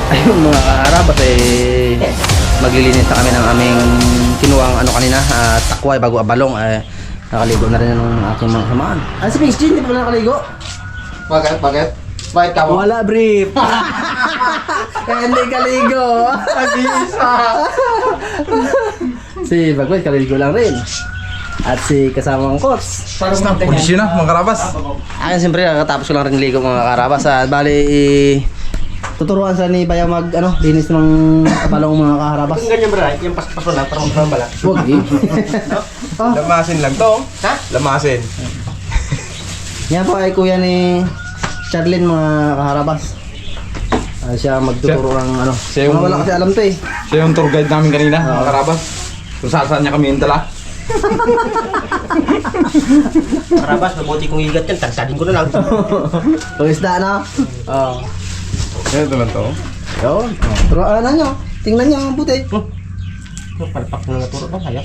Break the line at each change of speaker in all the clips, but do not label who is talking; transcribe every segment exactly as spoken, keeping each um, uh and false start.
Ayun mga kaharabas eh maglilinis na kami ng aming kinuwang ano kanina uh, takway bago abalong eh nakaligo na rin ng aking mga samaan. Ah, si Pings Jean, di pa pala nakaligo?
Bakit? Bakit? Bakit ka mo?
Wala brief. Kaya hindi kaligo.
Nag-iisa.
Si Bagway kaligo lang rin. At si kasamang coach.
Parang na, kondisyon na, mga karabas.
Akin siyempre kakatapos ko lang rin ligo mga karabas. At bali tuturuan sa ni Bayaw mag ano, linis ng abalong mga kaharabas.
Kung ganyan bro, yung pas-pas mo lang, parang magpapang bala.
Huwag eh. Oh,
Lamasin lang to.
Ha?
Lamasin.
yan po ay kuya ni Charlene mga kaharabas. Ah, siya magtuturo ng ano.
Siya yung-
Mga wala kasi alam to eh.
Siya yung tour guide namin kanina,
Oo.
mga karabas. Kung saan saan niya kami yung dala.
Karabas, mabuti kong igat yan, tagsadin ko na lang.
Kung isda na. Oo.
Ito lang to.
Yun. Turuan na nyo. Tingnan nyo ang puti.
Yung palpak na naturo ba, hayop?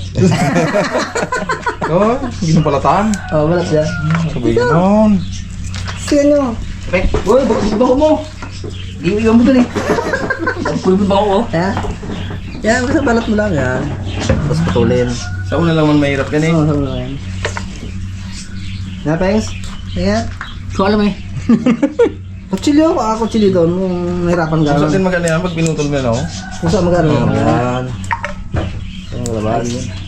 Oh, ginupalatan.
Oh, balat siya.
Sabi ganon.
Tingnan nyo.
Pre,
Uy, bakit ba mo? Iiwan mo dun eh.
nagpulbid ba ako?
Yan. Yan, basta balat mo lang yan. Tapos putulin.
Sa una lang man mahirap yan eh.
Oo, sabi lang yan. Na, Pengs? Ayan.
So alam eh.
Kutsilyo, baka kutsilyo doon. Kung nahirapan ka.
Kung saan din maganda yan, pag pinutol mo yan oh.
Kung saan magano.
Oo.
Yan. Ang labas.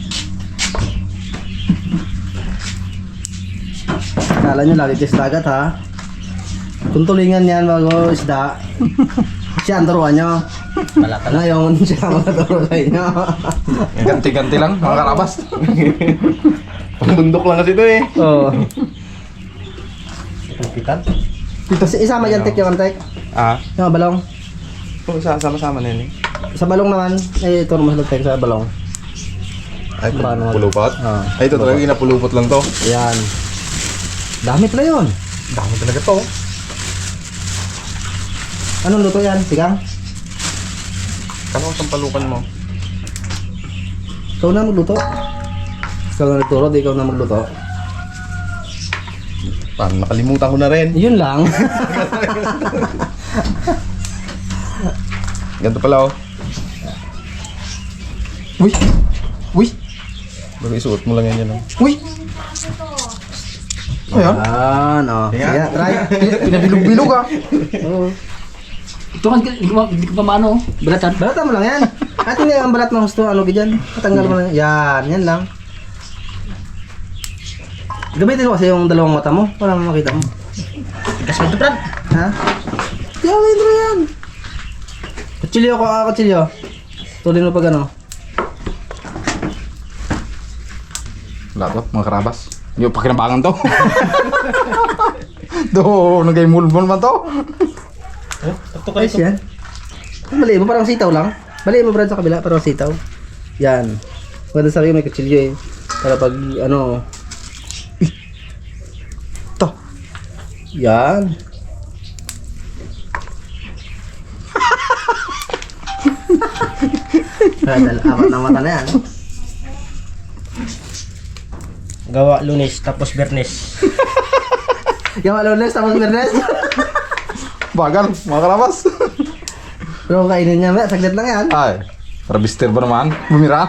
Kala nyo lagi test dagat ha. Kung tulingan yan bago isda, siya ang turuan nyo.
Balatan.
Ngayon siya ang matuturo sa inyo.
Ganti-ganti lang, mga karabas. Pangbundok lang kasi ito eh.
Oo.
Pagpitan.
Ito si isama dyan tek yung tek.
Ah,
Yung balong.
kung sama-sama na yun eh.
Sa balong naman, ay ito naman tek sa balong.
Ay,
Paano?
pulupot?
Ah.
Ay, ito talaga ginapulupot lang to.
Ayan. Dami pala yun.
Dami talaga to.
Anong luto yan? Sigang?
Kano ang palukan mo?
Ikaw na magluto. Ikaw na nagturo, di ikaw na magluto.
Paano, nakalimutan ko na rin.
Yun lang.
Ganito pala oh. Uy! Uy! Bago isuot mo lang yan yan oh. Uy! Ayan.
Ayan, oh.
Ayan.
Sige, try.
Pinabilog-bilog ah.
Oo.
Ito kan, hindi ko pa maano, balatan.
Balatan mo lang yan. At hindi ang balat ng gusto, ano ganyan. Patanggal mo lang. Yan, yan lang. Gamitin mo kasi yung dalawang mata mo para makita mo.
Tigas mo ito, Brad.
Ha? Yan, intro yan. Kutsilyo ko, ah, kutsilyo. Tulin mo pag ano.
Wala to, mga karabas. Yung pakinabangan to. Do, nagay-mulbol man to.
Tuktok ka
Ayos
ito.
yan. Mali mo, parang sitaw lang. Mali mo, Brad, sa kabila, parang sitaw. Yan. Maganda sa akin may kutsilyo eh. Para pag ano.
To.
Yan. Dal apat na mata na yan.
Gawa lunes, tapos bernes.
Yung alunes tapos bernes.
Bagal, mga karabas.
Pero kainin niya, may saglit lang yan.
Ay, para bister ba naman? Bumira.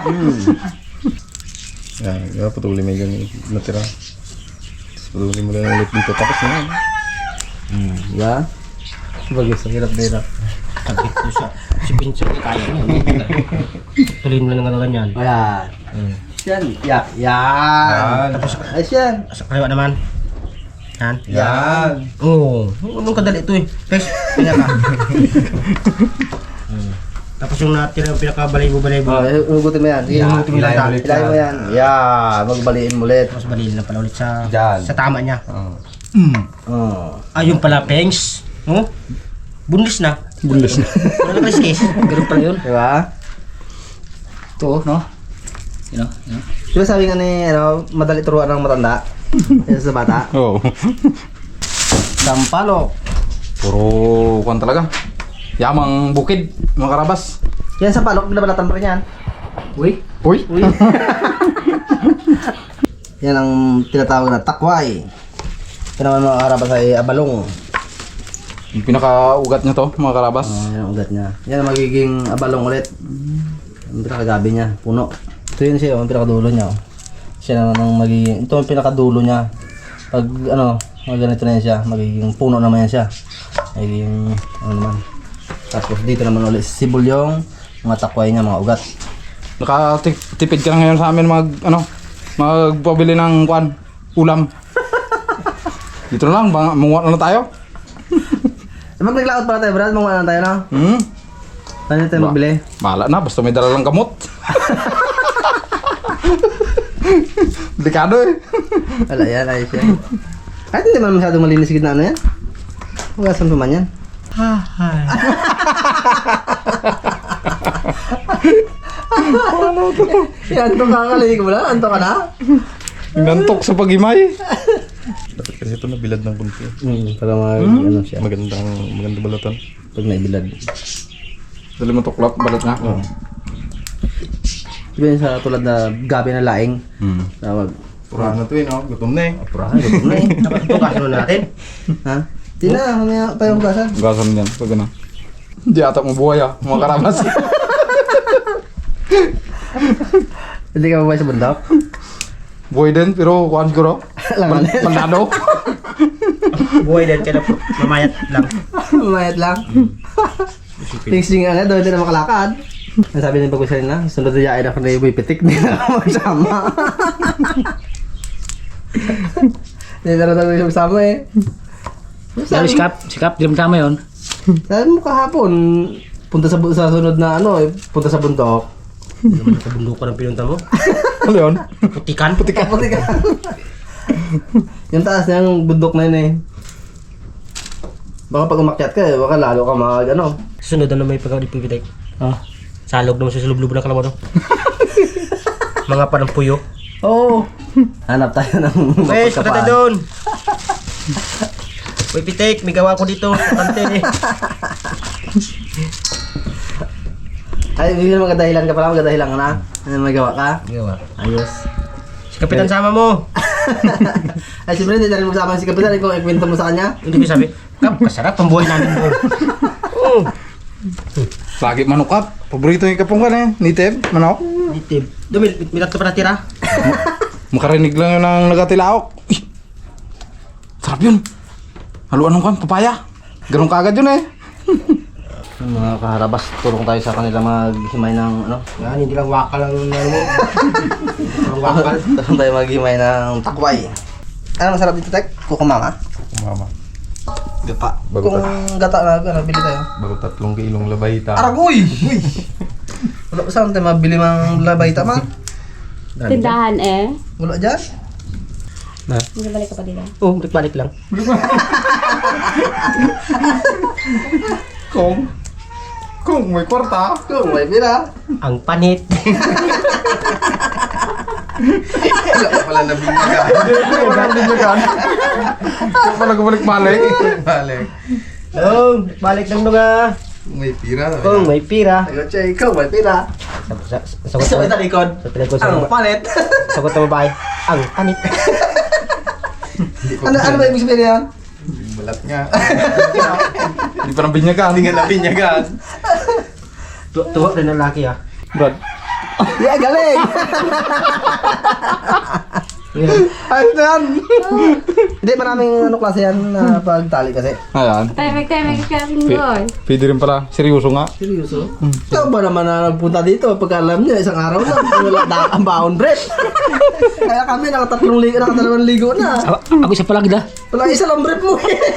Yan, yeah, patuloy mo yung natira. Tapos patuloy mo lang ulit dito. Tapos na yan.
Hmm, yeah. Bagay sa hirap-hirap.
Sabit ko siya. Si Pincho, kaya niya. Tuloy mo lang ng ganyan.
Ayan.
Hmm.
Yan. Ya, yan.
Yan.
Tapos, ayos yan.
Sa kaliwa naman. Yan.
Yan.
Oo. Oh, anong kadali ito eh. Pes, kanya ka. Hmm. Tapos yung natira yung pinakabalay-balay-balay.
Oh, hugutin mo yan. Sige,
Yan,
hugutin mo
ilayin
lang.
ulit
Ilayin mo yan. Yan. Magbaliin mo ulit.
Tapos baliin na pala ulit sa
Diyan.
sa tama niya.
Oh.
Oh.
Ayun pala, Pengs. Oh? Bundis na.
Bundes na.
Wala na case. Ganun pala yun.
Diba?
Ito, no? You know? You know?
Diba sabi nga ni, ano, madali turuan ng matanda? Yan sa bata.
Oo.
Sampalok.
Puro kuwan talaga. Yamang bukid, mga karabas.
Yan sa palok, binabalatan pa rin yan.
Uy.
Uy!
Uy. Yan ang tinatawag na takway. Ito naman mga karabas ay abalong.
Yung pinaka-ugat niya to, mga karabas.
Oh, yan ang ugat niya. Yan ang magiging abalong ulit. Ang pinakagabi niya, puno. Ito yun siya, ang pinakadulo niya. Oh. Siya naman ang magiging, ito ang pinakadulo niya. Pag ano, mga ganito na yan siya, magiging puno naman yan siya. Magiging, ano naman. Tapos dito naman ulit, sibol yung mga takway niya, mga ugat.
Nakatipid ka na ngayon sa amin mag, ano, magpabili ng kwan, ulam. Dito na lang, bang- munguha na lang tayo.
Eh, mag naglaot pala tayo, Brad. Mga ano tayo na.
Hmm?
Saan tayo magbili?
Mahala na, basta may dala lang gamot. Delikado eh.
Wala yan, ayos yan. Kahit hindi man masyadong malinis gitna ano yan. Hugasan pa man yan. Yan, antok ka kalinig mo lang. Antok ka na?
Nantok sa pag-imay. Dapat kasi ito nabilad ng kunti.
Hmm, para mag, ano siya.
Magandang, magandang balatan.
Pag naibilad.
Dali mo tuklap, balat nga.
Oo. Diba yun sa tulad na gabi na laing.
Hmm.
Tawag.
Purahan na to eh, no? Gutom na eh.
Purahan, gutom na eh.
Dapat tugasan na natin.
Ha? Di na, mamaya pa yung hugasan.
Gasan yan, pag ano. Hindi ata mo buhay ah, mga karamas.
Hindi ka mabuhay sa bundok?
Buhay din, pero kuhan siguro.
Langan.
Pandado.
Buhay din, kaya mamayat lang.
Mayat lang. Things yung ano, doon din na makalakad. Ang sabi ng pag-usay na, sunod na yain ako na yung pitik, hindi na ako magsama. Hindi na rin ako magsama eh.
Sabi si Kap, si Kap, di mo tama yun.
Sabi mo kahapon, punta sa, bu- sa sunod na ano, eh, punta sa bundok.
Ano naman sa bundok ng pinunta mo?
Ano yun?
Putikan?
Putik ka, putik ka. Yung taas na yung bundok na yun eh. Baka pag umakyat ka eh, baka lalo ka mag ano.
Susunod na may pagkakadipipitek. Ah. Salog naman sa lublubo ng kalabaw, no? Mga parang puyo.
Oo. Oh. Hanap tayo ng
Wes, punta tayo
mapagkapaan.
doon. Uy, Pitek, may gawa ko dito. Kante eh.
Ay, hindi na magadahilan ka pala, magadahilan ka na. Ano magawa ka?
Gawa.
Ayos.
Si Kapitan sama mo.
Ay, siyempre hindi na rin magsama si Kapitan kung ikwento mo sa kanya.
Hindi ko sabi, Kap, kasarap ang buhay namin doon. Oo.
Lagi manok up. Paborito yung kapungkan eh. Nitib, manok.
Native. Doon, may, may tatlo pa natira.
Makarinig lang yun ng nagatilaok. Uy! Sarap yun. Haluan ng kan, papaya. Ganun kaagad yun eh.
Yung mga kaharabas, tulong tayo sa kanila maghimay ng ano.
Yan, hindi lang wakal ang ano mo. Ang wakal.
Tulong tayo maghimay ng takway. Ano masarap dito, Tek? Kukumama?
Mama.
Gata.
Bago
Kung gata na, ano, bili tayo.
Bago tatlong kilong labayta.
Aragoy! Uy! Wala pa saan tayo mabili mang labay tama?
Tindahan eh.
Wala dyan?
Hindi balik ka pa dito.
Oo, balik lang.
Kung, kung may kwarta.
Kung may pira.
Ang panit.
Wala pa pala nabinyagan.
Wala din nyo kan. Kung pala gumalik-malik.
Balik.
Oo, balik lang nga.
May pira.
Kung may pira.
Sagot siya, ikaw may pira.
Sa- sa- Sagot
Sa
mo.
may talikod.
Sa talikod sa
Ang
babae.
panit.
Sagot ng babae. Ang panit.
Ano ano ba ibig sabihin yan?
Balat nga. Hindi pa nang binyagan. Hindi nga nabinyagan.
Tu- Tuwa rin ang laki ah.
Brad.
Yeah, galing!
Ayos na yan.
Hindi, maraming ano klase yan na pagtali kasi.
Ayan.
Timing-timing ka rin
P-
doon.
Pwede rin pala. Seryoso nga.
Seryoso? Ikaw ba naman na nagpunta dito? Pagka alam niya, isang araw na, wala da ang baon bread. Kaya kami nakatatlong ligo, nakatalawang ligo na.
Ako, ako isa palag da.
Wala isa lang brief mo eh.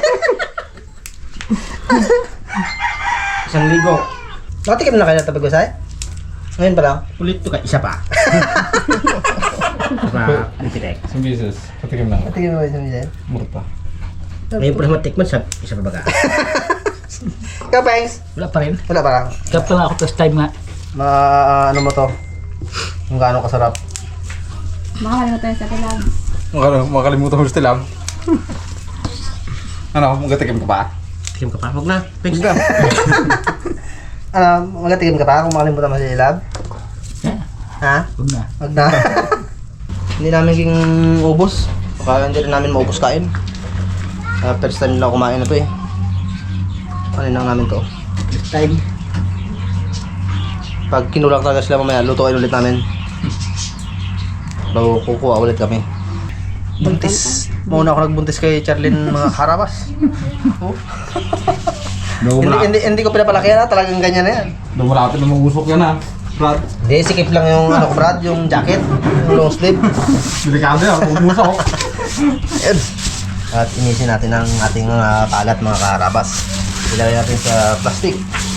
Isang ligo.
Nakatikim na kayo na tapag-usay? Ngayon pa lang?
Ulit to ka. Isa pa. Isa pa. Pitek.
Isang beses. Patikim lang.
Nakatikim mo isang isa.
Murta.
Ngayon po naman tikman sa isa pa baga.
Ikaw, Pengs?
Wala pa rin.
Wala pa lang.
Kaya pala ako first time nga.
Ma, ano mo to? Kung gaano kasarap.
Makakalimutan tayo sa tilang.
Makal- Makalimutan mo sa tilam. Ano, magatikim ka pa?
Tikim ka pa. Huwag na. Thanks.
Ano, magatikim ka pa kung makalimutan mo sa ilab?
Yeah.
Ha?
Huwag na.
Wag na. Hindi namin king ubos. Baka hindi rin namin maubos kain. Uh, first time na kumain na to eh. ano lang namin to.
Time.
Pag kinulang talaga sila mamaya, lutuin ulit namin. Bago kukuha ulit kami. Buntis. Mauna ako nagbuntis kay Charlene mga karabas. Oh. hindi, hindi, hindi ko pinapalaki yan, talagang ganyan na yan.
Dumulapit na mag-usok yan ah. Brad.
Hindi, sikip lang yung ano ko Brad, yung jacket, yung long sleeve.
Delikado yan, mag-usok.
Ayun. At inisin natin ang ating mga kalat mga karabas. Ilagay natin sa plastic.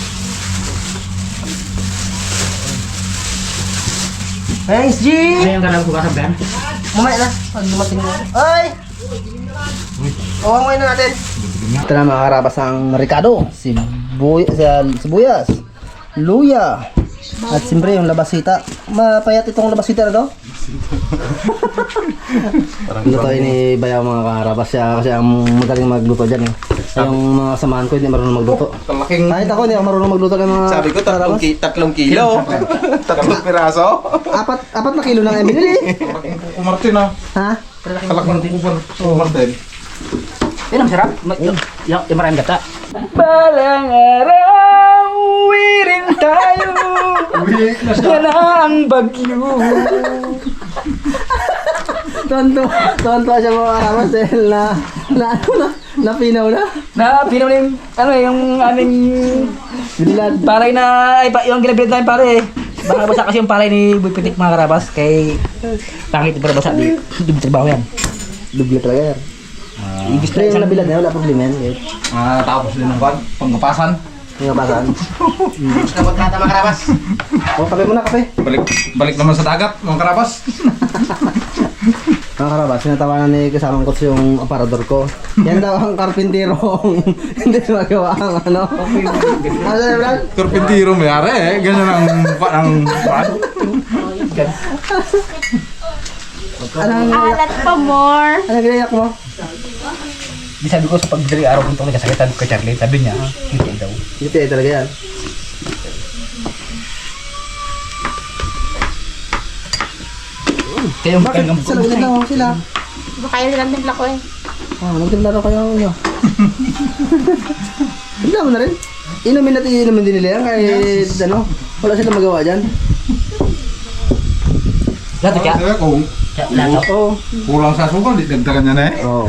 Thanks, G!
Ano yung galaw ko kasablan?
Mamaya na, pag dumating mo. Ay! Uwangoy na natin. Ito na mga karabas ang Ricardo, sibuy sibuyas, luya, at siyempre yung labasita. Mapayat itong labasita na to. Lutoy ni Bayaw mga karabas siya kasi ang magaling magluto dyan eh. Yung mga samahan ko hindi marunong magluto.
Kalaking...
Kahit ako hindi ako marunong magluto ng mga
Sabi ko, tatlong,
karabas.
ki- tatlong kilo. tatlong piraso.
Apat, apat na kilo lang ang binili.
Kalaking Kuko Martin ah.
Ha?
Kalaking Kuko Martin.
Yan ang sarap. Ma- Yung, yung, yung maraming gata. Balang araw, uwi rin tayo.
Uwi na siya.
Yan na ang bagyo.
Tonto, tonto siya mga karabas dahil na, na, ano na, napinaw na.
Na, pinaw na yung, ano eh, yung aming
Bilad.
palay na, ay, pa- yung ginabilad namin pare eh. Baka basa kasi yung palay ni Boy Pitik mga karabas. Kay, pangit para basa. Di, di trabaho yan.
Dubli talaga yan.
Ibig
Pero yung nabilad na yun, wala problema yan. Kahit
Ah, tapos din ng kwan, pangkapasan.
yung kapasaan.
Nabot na mga karabas.
O, kape muna, kape.
Balik balik naman sa dagat, mga karabas.
Mga karabas, sinatawanan ni kasamang coach yung aparador ko. Yan daw ang karpintirong hindi magawa ang ano. Ano na, Brad?
Karpintiro mayari eh, ganyan ang ang kwan.
Anong,
Alat pa more.
anong ginayak mo?
Di sabi ko sa pagdali araw kung itong nagkasakitan ko kay Charlie, sabi niya, hindi daw.
Hindi eh, talaga yan.
Kaya yung
Bakit?
kaya
Sa lagyan lang sila.
Baka yun lang din ko eh.
Ah, magtimla daw kayo nyo. Timla mo na rin. Inumin natin, inumin din nila yan kahit ano, wala silang magawa dyan.
Lato kaya?
Kaya kung
Lato.
Oo.
kulang sa sugal, di dagdagan niya na eh.
Oo.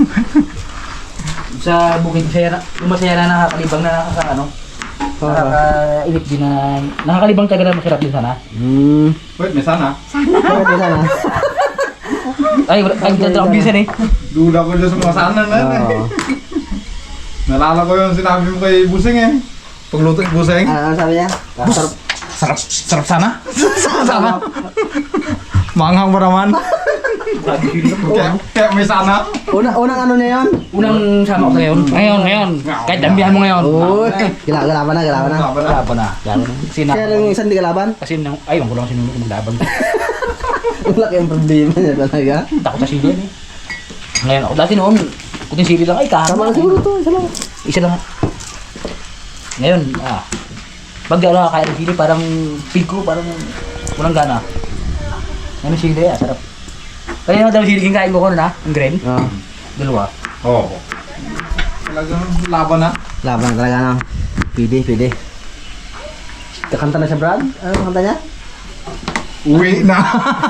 Sa bukid masaya na, yung masaya na nakakalibang na nakaka ano, nakakainip din na, nakakalibang talaga na masarap din sana.
Hmm.
Wait, may sana.
Bakit ba sana?
Ay, wala, ay, dito ako bisan eh.
Duda ko dyan sa mga sana na yan eh.
Oo.
Nalala ko yung sinabi mo kay Busing eh. Pagluto yung Busing.
Ah, ano sabi niya? Sarap.
Sarap, sarap sana. Sarap sana. Manghang pa naman. kaya, kaya may sana.
Una, unang ano niya yun?
Unang sama ko sa ngayon. Ngayon, ngayon. Kahit dambihan mo ngayon.
Uy, gila, galaban na, galaban na.
Wala pa na. Lalo na. Kasi na.
Kaya lang yung isang di kalaban,
Kasi nang, ay, wala ko lang sinunod ko maglaban.
wala kayong problema niya talaga.
Takot sa sili yan eh. Ngayon ako, dati noon, kuting sili lang, ay
Tama
kahama.
na siguro to, isa lang.
Isa lang. Ngayon, ah. Pag ano, kaya ng sili, parang pig ko, parang walang gana. Ngayon ang sili, ah, sarap. Kaya yung dami sili kikain ko ko na, ang green.
Ah,
Dalawa.
Oo. Talagang laban na.
laban talaga na. Pide, pide. Kakanta na siya, Brad? Ano kanta niya?
Uwi na.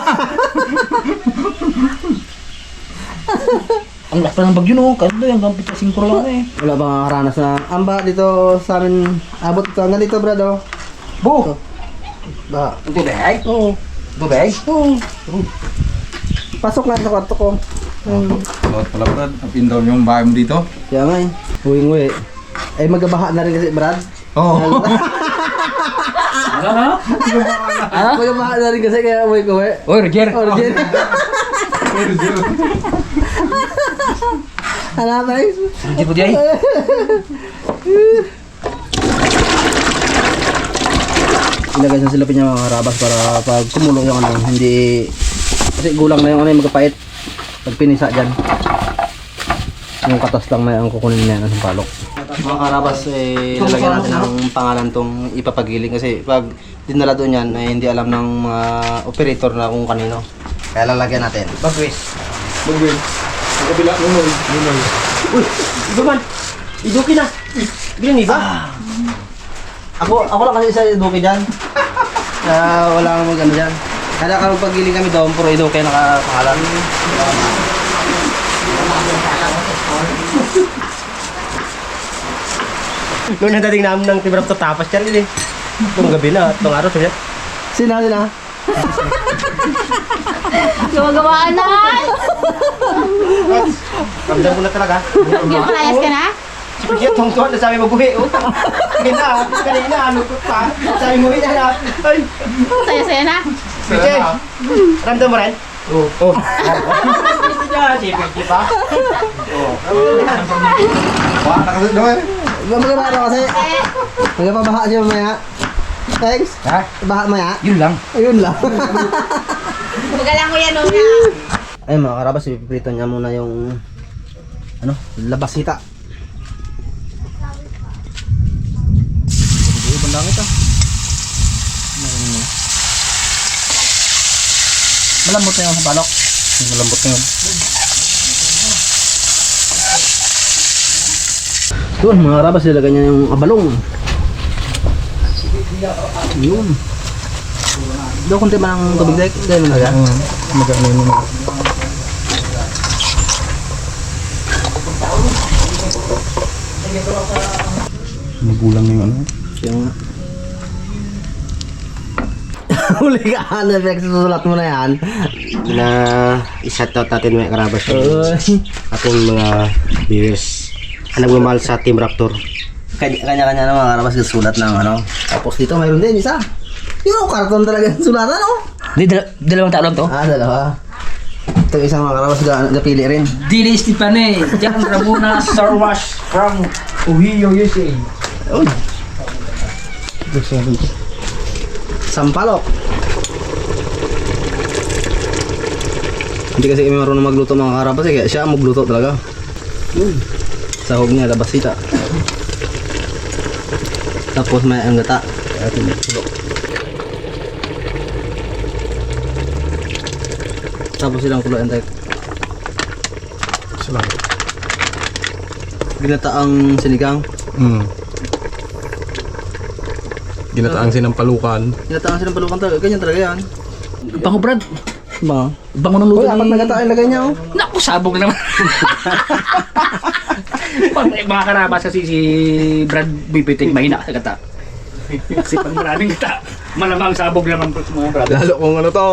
Ang lakas pa ng bagyo no, kasi doon hanggang pito singkro lang eh.
Wala bang nakakaranas na amba dito sa amin? Abot ito hanggang dito, Brad, oh.
Bu!
Ba?
Ang tubig?
Oo.
Tubig?
Oo. Pasok na sa kwarto ko. Hmm.
Lord pala Brad, napin down yung bahay mo dito.
Kaya nga eh. Uwing-uwi. Ay magabaha na rin kasi, Brad.
Oo.
Ano ano? Ah?
Magabaha na rin kasi kaya uwi-uwi.
Oy, Roger!
Oh, Jen. Hanap tayo.
Roger po diyan.
Ilagay sa silapin niya mga karabas para pag kumulo yung ano, hindi... Kasi gulang na yung ano yung magkapait. Pag pinisa dyan. Yung katas lang na yung kukunin niya ng palok. Mga karabas, eh, lalagyan natin ang pangalan tong ipapagiling kasi pag dinala doon yan, eh, hindi alam ng mga operator na kung kanino. Kaya lalagyan natin.
Bagwis.
Bagwin. Sa kabila, nunoy. Nunoy.
Uy! Iba man!
Iduki na. Bilang iba.
Ako, ako lang kasi isa iduki dyan. Kaya wala kang mag ano dyan. Kaya kapag paggiling kami doon, puro iduki nakapangalan.
Noon ang dating namin ng Tibrap to tapas yan, eh. Itong gabi na, itong araw, sabi niya.
Sina, sina?
Gumagawaan naman.
Ramdam ko na talaga.
Gipalayas ka na?
Si Pigit, tong tuwan na sabi mag-uwi, oh. Kanina, kanina, ano ko pa. Sabi mo, ina na. Ay,
Saya-saya na.
Pigit, ramdam mo rin? Oo. Oh. Hindi niya, si Pigit pa. Oo. Wala ka kasi doon.
Magpapaha daw kasi. Magpapabaha siya mamaya. Thanks.
Ha?
Baha maya.
Yun lang.
Ayun lang.
Magalang ko yan, Una.
Ay mga karabas, ipiprito niya muna yung ano, labasita. Ibang langit ah. Malambot na yung balok.
Malambot na yun.
Doon mga karabas, ilagay niya yung abalong. Yun. Doon kunti ba ng tubig dek? Gaya mo na yan.
Magkano yun mga. Magulang na yung ano.
Yung huli ka, ano effect susulat mo na yan?
Na i-shout out natin mga karabas yung ating mga viewers. Ang nagmamahal sa Team Raptor.
Kanya-kanya na mga karabas sulat ng ano. Tapos dito mayroon din isa. Yung karton talaga yung sulatan, oh.
Di, dal- dalawang tao lang to.
Ah, dalawa. Ito isang mga karabas ga- napili rin.
Dili Stepane, Jan Ramona Star Wars from Ohio, U S A.
Uy. Sampalok. Hindi kasi kami marunong magluto mga karabas eh, kaya siya ang magluto talaga. Yun. Sahog niya, labasita. Tapos may ang gata. Kaya tinutulok. Tapos silang kulo entek.
Salamat.
Ginataang sinigang.
Mm. Ginataang sinampalukan.
Ginataang silang palukan talaga. Ganyan talaga yan.
Bango Brad.
Ba?
Bango ng luto
Uy, apat
ni...
na gata ang lagay niya, oh.
Naku, sabog naman. Pag mga karabas kasi si Brad Bibitik mahina sa gata. Kasi pag maraming gata, malamang sabog naman po sa mga Brad.
Lalo kung ano to.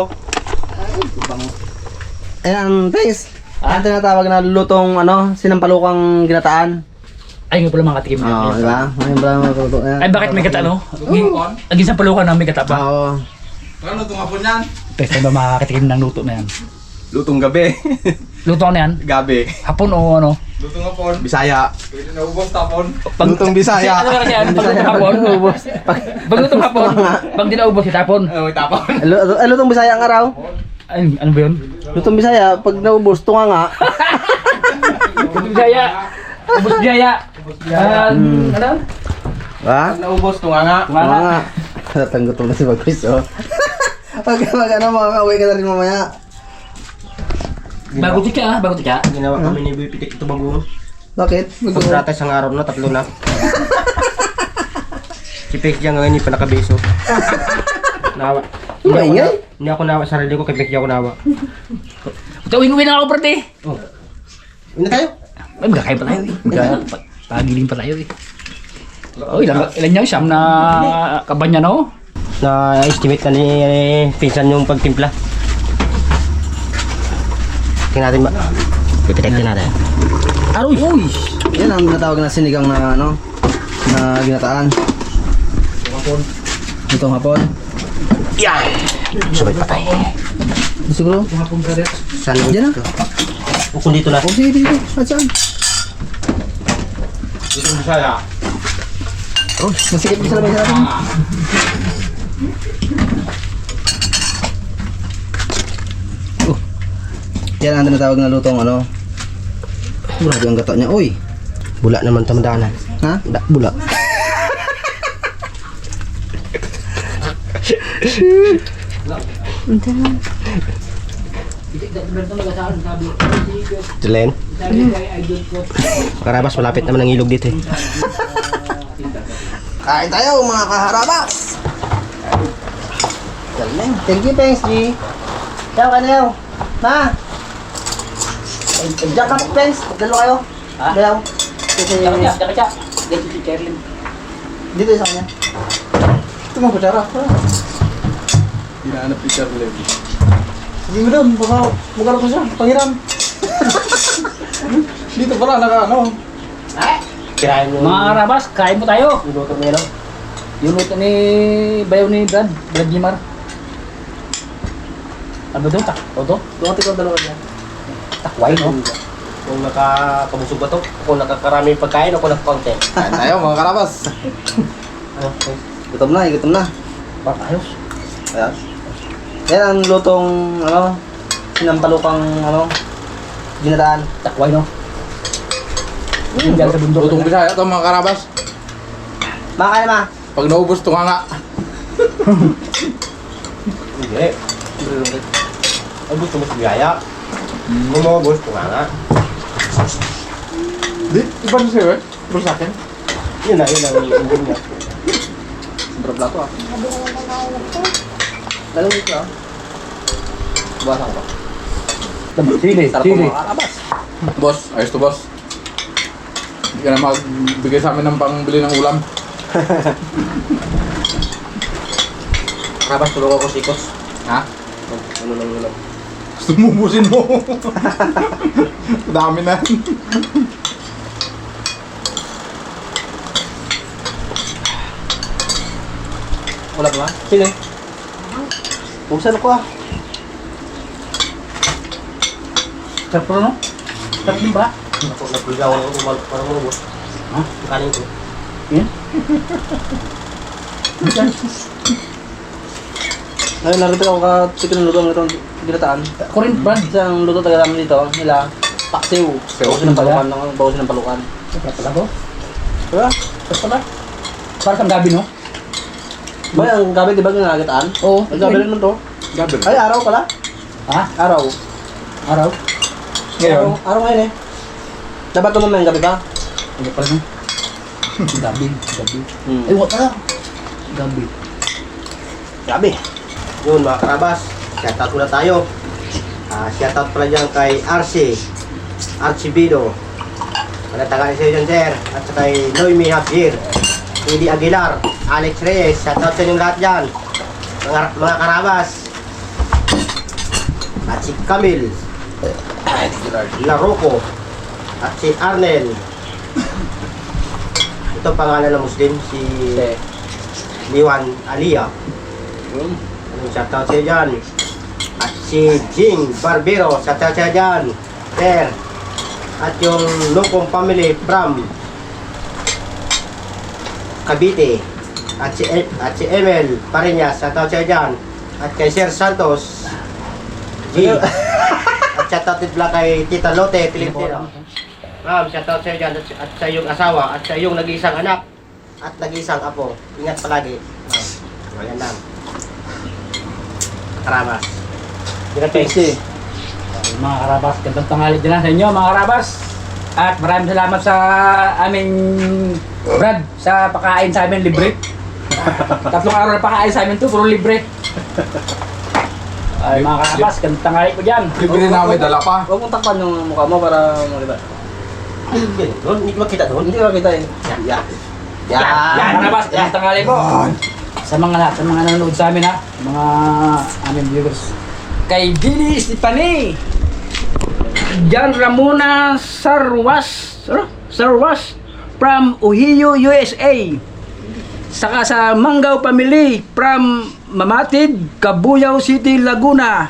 Ayan, thanks. Ang tinatawag na lutong ano, sinampalukang ginataan.
Ay, nga pala mga katikim.
Oo, di ba? Ngayon ba mga luto?
Ay, bakit may gata, no? Ang isang palukan na may gata pa.
Oo.
Ano itong hapon yan?
Pwede ba makakatikim ng luto na yan?
Lutong gabi.
Luto na yan?
Gabi.
Hapon o ano?
Lutong hapon. Bisaya. Pwede na ubos tapon.
Pag,
Lutong Bisaya.
Kasi ano kasi yan? Pag lutong hapon, ubos. Pag lutong hapon, pag di na ubos, itapon.
Ano tapon?
Lu- Ay, lutong Bisaya ang araw.
Ay, ano ba yun?
Lutong Bisaya, pag naubos, tunga nga.
Lutong Bisaya. Ubos Bisaya. Ah, ano?
Ha?
Naubos, tunga nga.
Tunga nga.
nga. Natanggot mo na si Bagwis, oh. Pag mag ano, makakauwi ka na rin mamaya.
Bago tika ah, bago tika.
Ginawa kami ni Bipitik ito bago.
Bakit? Mag-
Kontrata isang araw na, tatlo na. Si Pigit dyan ngayon, hindi pa nakabeso. Nawa. Hindi ako,
Maingay?
na, hindi ako nawa sa sarili ko, kay Pigit ako nawa.
Ito, uwi na ako, brate.
Oh. Una tayo?
Ay, magkakain pa tayo eh. Magka- Pagiling pa tayo eh. Oh, ilan, ilan niya? Siyam na kabanya na oh.
Na-estimate na ni pinsan yung pagtimpla. Tingnan natin ba? Pipitek din natin.
Aroy! Uy!
Yan ang tinatawag na sinigang na ano, na ginataan. Itong hapon.
Yan! Sabay patay.
Siguro?
Saan
Diyan na.
O kung dito na.
Oh, sige, dito. At saan?
Lutong Bisaya.
Oh, masikip sa lamay sa atin. Oh. Yan ang tinatawag na lutong ano. Grabe ang gata niya. Uy.
Bula naman tamadanan.
Ha?
Da, bula. Jelen? Karabas, malapit naman ang ilog dito eh.
Kain tayo mga kaharabas! Galing. Thank you, thanks, G. Yaw, ka na yaw. Ma! Diyan ka, thanks. Dalo kayo.
Ha?
Dayaw. Kasi,
Tsaka siya, tsaka siya. Dito si Cherlin.
dito sa kanya.
Ito mga kutsara. Hinahanap ni Charlie.
Sige mo doon, baka magkaroon ko siya. Pangiram.
Dito pala, naka ano.
Kirain mo.
Mga karabas, kain mo tayo.
Yung luto mo yun, no?
Yung luto ni Bayaw ni Brad, Brad Jimar. Ano ba doon? Tak Toto?
Dumating ko dalawa niya.
Takway, no?
Kung nakakabusog ba to? Kung nakakarami yung pagkain o kung nakakonti?
Kain tayo mga karabas.
Ano?
Gutom na, gutom na.
Parang ayos.
Ayan. Yan ang lutong, ano, sinampalukang, ano, ginadaan.
Takway, no? Yung dyan sa bundok.
Lutong Bisaya ito mga karabas.
Makain ma.
Pag naubos, tunganga.
Hindi. Ang gusto mo sa biyaya. Kung maubos, kung nga nga.
Di, iba na sa'yo eh. Pero sa akin.
Yun na, yun ang umbon niya.
Sobrang plato ah.
Dalawa dito ah. Buwasan ko ba?
Sili,
Sarap
sili.
po mga karabas.
Boss, ayos to boss. Hindi ka na magbigay sa amin ng pangbili ng ulam.
Karabas, tulog ako sikos.
Ha?
Ano lang ulam.
Gusto mo ubusin mo. Dami na.
Wala ba? Sige. Buksan ako ah.
Sarap po, no? Sarap din ba?
Ako, nagligaw ako kung parang maubos.
Ha?
Kanin ko.
Yan.
Ngayon, narito ako ka-chicken luto ng itong ginataan.
Corinth brand.
Isang luto taga namin dito, nila, paksiw. Bawasin ng palukan, ng bawasin ng palukan.
Sarap pala ko.
Diba?
Sarap pala. Parang kang gabi, no?
Ba, ang gabi, di ba ginagataan?
Oo.
Ang gabi rin to.
Gabi.
Ay, araw pala.
Ha?
Araw.
Araw?
Ngayon.
Araw, araw ngayon eh. Dapat ito mamaya, gabi pa.
Ano pala, no? Gabi. Gabi.
Hmm.
Ay, wala pala. Gabi.
Gabi.
Yun mga karabas, shoutout muna tayo. Ah, shoutout pala dyan kay Arce, Archibido. Manatagaan sa iyo dyan, sir. At sa kay Noemi Javier, Eddie Aguilar, Alex Reyes. Shoutout sa inyong lahat dyan. Mga, mga karabas. At si Camille, Larocco, at si Arnel. Ito pangalan ng Muslim, si Liwan Alia. Shoutout sa iyo dyan. At si Jing Barbero, shoutout sa iyo dyan. Sir. At yung Locong family from Cavite. At si, E- at si Emel Pariñas, shoutout sa iyo dyan. At kay Sir Santos G. At shoutout din pala kay Tita Lote Pilipino. Ma'am, shoutout sa iyo dyan. At, at sa iyong asawa. At sa iyong nag-iisang anak. At nag-iisang apo. Ingat palagi. Ma'am. Ayan lang. Karabas. Ingat
Thanks
thanks.
eh.
Mga karabas, gandang tanghali din lang sa inyo, mga karabas. At maraming salamat sa aming Brad sa pakain sa amin libre. Tatlong araw na pakain sa amin to, puro libre. Ay, mga karabas, gandang tanghali ko dyan.
Libre na may dala pa.
Huwag mong takpan yung mukha mo para makita.
Ay, yun. Doon, hindi ko makita doon.
Hindi ka makita eh.
Yan.
Yan, yan, karabas, gandang tanghali ko. Sa mga lahat, sa mga nanonood sa amin ha, mga aming viewers. Kay Billy Stefani, John Ramona Sarwas, ano? Sarwas from Ohio, U S A. Saka sa Mangaw Family from Mamatid, Cabuyao City, Laguna.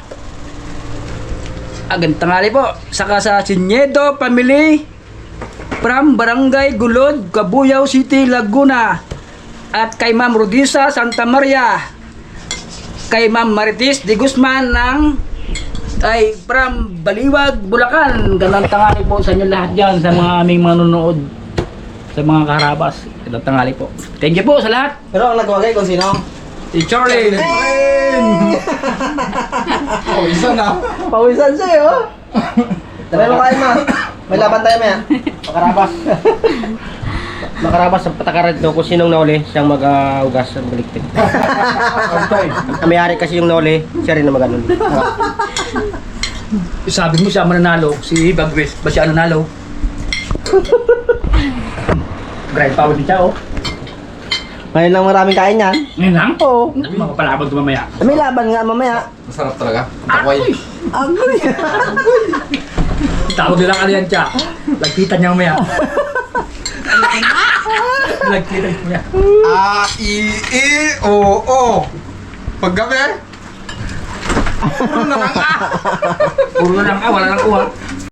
Agad tangali po. Saka sa Sinedo Family from Barangay Gulod, Cabuyao City, Laguna. At kay Ma'am Rodisa Santa Maria, kay Ma'am Maritis de Guzman ng ay from Baliwag, Bulacan. Gandang tanghali po sa inyo lahat dyan, sa mga aming manonood, sa mga karabas. Gandang tanghali po. Thank you po sa lahat.
Pero ang nagwagay kung sino?
Si Charlie.
Oh, isa na.
Pawisan siya eh oh. Tara mo kain ma. May laban tayo maya.
Makarabas. Makarabas ang patakaran doon kung sinong nauli, siyang mag-ugas ng baliktik. Ang may-ari kasi yung nauli, siya rin na mag-anon.
Sabi mo siya mananalo, si Bagwes, ba siya nanalo? Grind power din siya, oh.
Ngayon lang maraming kain yan.
Ngayon lang?
Oo.
Mapapalabag ko mamaya.
May laban nga mamaya.
Masarap talaga. Takway.
Agoy.
Tawag nilang ano yan siya. Lagkitan niya mamaya. Lagkitan niya.
A, I, I, O, O. Paggabi. Puro na lang A.
Puro na lang, ah, wala lang kuha.